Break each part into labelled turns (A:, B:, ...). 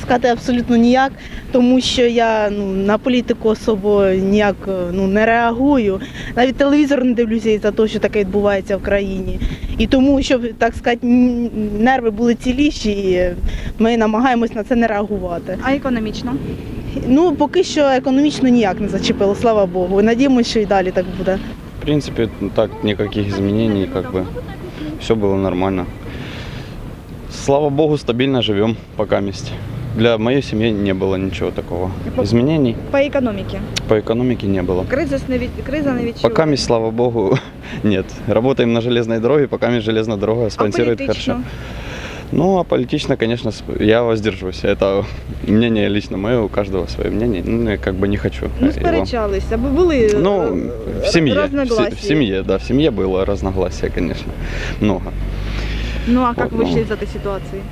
A: сказати абсолютно ніяк, тому що я на політику особо ніяк не реагую. Навіть телевізор не дивлюся із-за того, що таке відбувається в країні. І тому, щоб, так сказати, нерви були ціліші, ми намагаємось на це не реагувати.
B: А економічно?
A: Поки що економічно ніяк не зачепило, слава Богу. Надіємося, що і далі так буде.
C: В принципе, так, никаких изменений, все было нормально. Слава Богу, стабильно живем пока вместе. Для моей семьи не было ничего такого. Изменений
B: По економіці?
C: по экономике не было.
B: Криза не відчуває?
C: Пока вместе, слава Богу, нет. Работаем на железной дороге, пока вместе железная дорога спонсирует хорошо. А политично, конечно, я воздержусь. Это мнение лично мое, у каждого свое мнение. Я не хочу.
B: Сперечалися, бо були
C: В семье.
B: разногласия.
C: В семье, да, в семье было разногласия, конечно, много.
B: А як вийшли з цієї ситуації?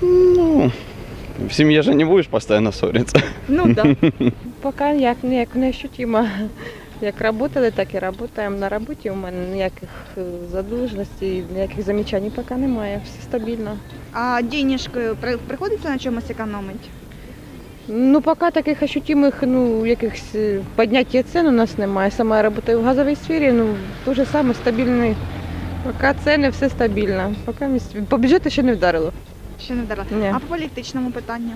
C: В семье же не будешь постоянно ссориться.
B: Так.
D: Поки ніяк не ощутимо. Як працювали, так і працюємо. На роботі у мене ніяких задовженостей, ніяких замічань поки немає, все стабільно.
B: А денежки приходиться на чомусь економити?
D: Поки таких ощутимих, якихось підняття цін у нас немає. Сама я працюю в газовій сфері, те ж саме стабільний. Поки ціни, все стабільно. По бюджету ще не вдарило.
B: Ще не вдарила.
D: Ні.
B: А по політичному питанню?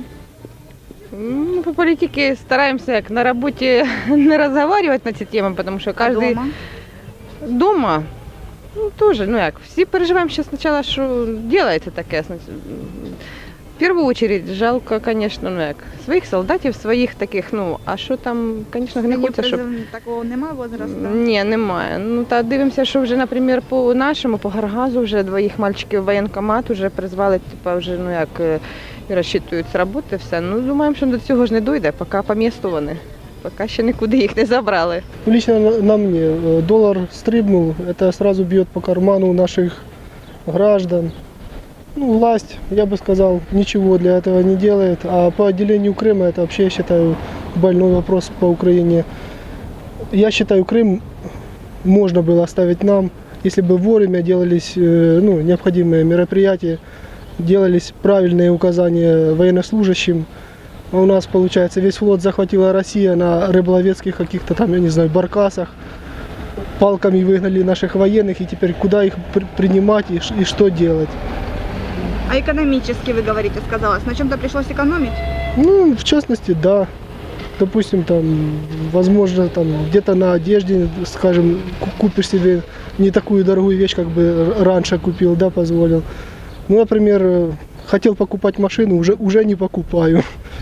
D: По политике стараемся як на работе не разговаривать на ці теми, потому что каждый... Дома? Тоже, всі переживаємо ще спочатку, що делается таке. В першу очередь жалко, конечно, своїх солдатів, своїх таких, а що там, конечно, не хочеться, щоб...
B: Такого немає возрасту?
D: Ні, немає. Дивимося, що вже, наприклад, по нашому, по Гаргазу вже двоїх мальчиків в воєнкомат вже призвали, вже, і розчитують з роботи, все. Думаємо, що до цього ж не дойде, поки по місту вони. Поки ще нікуди їх не забрали.
E: Лично на мне доллар стрибнул, это сразу бьет по карману наших граждан. Власть, я бы сказал, ничего для этого не делает. А по отделению Крыма, это вообще, я считаю, больной вопрос по Украине. Я считаю, Крым можно было оставить нам, если бы вовремя делались необходимые мероприятия, делались правильные указания военнослужащим. А у нас, получается, весь флот захватила Россия на рыболовецких каких-то там, я не знаю, баркасах. Палками выгнали наших военных, и теперь куда их принимать и что делать?
B: А экономически, вы говорите, сказалось. На чем-то пришлось экономить?
E: В частности, да. Допустим, там, возможно, там где-то на одежде, скажем, купишь себе не такую дорогую вещь, как бы раньше купил, да, позволил. Например, хотел покупать машину, уже не покупаю.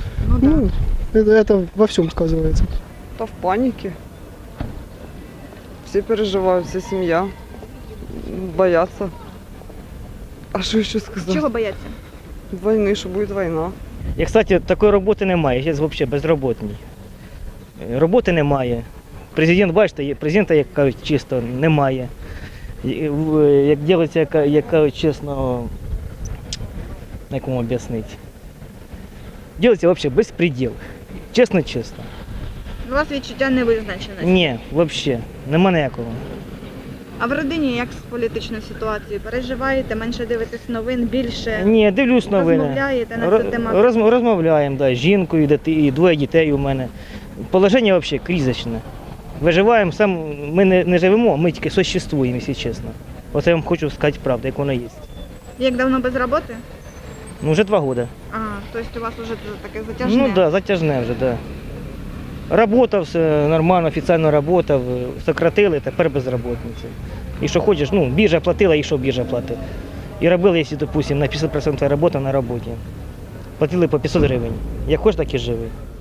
E: Это во всем сказывается.
F: В панике. Все переживают, вся семья. Боятся. А що ще сказати?
B: Чого бояться?
F: Війни, що буде війна.
G: І, кстати, такої роботи немає, я взагалі безробітний. Роботи немає. Президент, бачите, президента, як кажуть, чисто немає. Як робиться, як кажуть, чесно, як вам об'яснити. Робиться взагалі безпреділ. Чесно-чесно.
B: У вас відчуття невизначеності?
G: Ні, взагалі, нема ніякого.
B: А в родині як з політичною ситуацією? Переживаєте, менше дивитесь новин, більше?
G: Ні, дивлюсь новини.
B: Розмовляєте на цю тематику?
G: Розмовляємо, да, з жінкою, і двоє дітей у мене. Положення взагалі кризичне. Виживаємо, ми не живемо, ми тільки существуємо, якщо чесно. Оце я вам хочу сказати правду, як воно є.
B: Як давно без роботи?
G: Вже 2 роки.
B: Тобто у вас вже таке затяжне?
G: Так, затяжне вже, так. Работав, все нормально, офіційно работав, сократили, тепер безробітниця. І що хочеш, біржа платила, і що біржа платить. І робили, якщо, допустим, на 50% роботи на роботі. Платили по 500 гривень. Як хочеш, так і живи.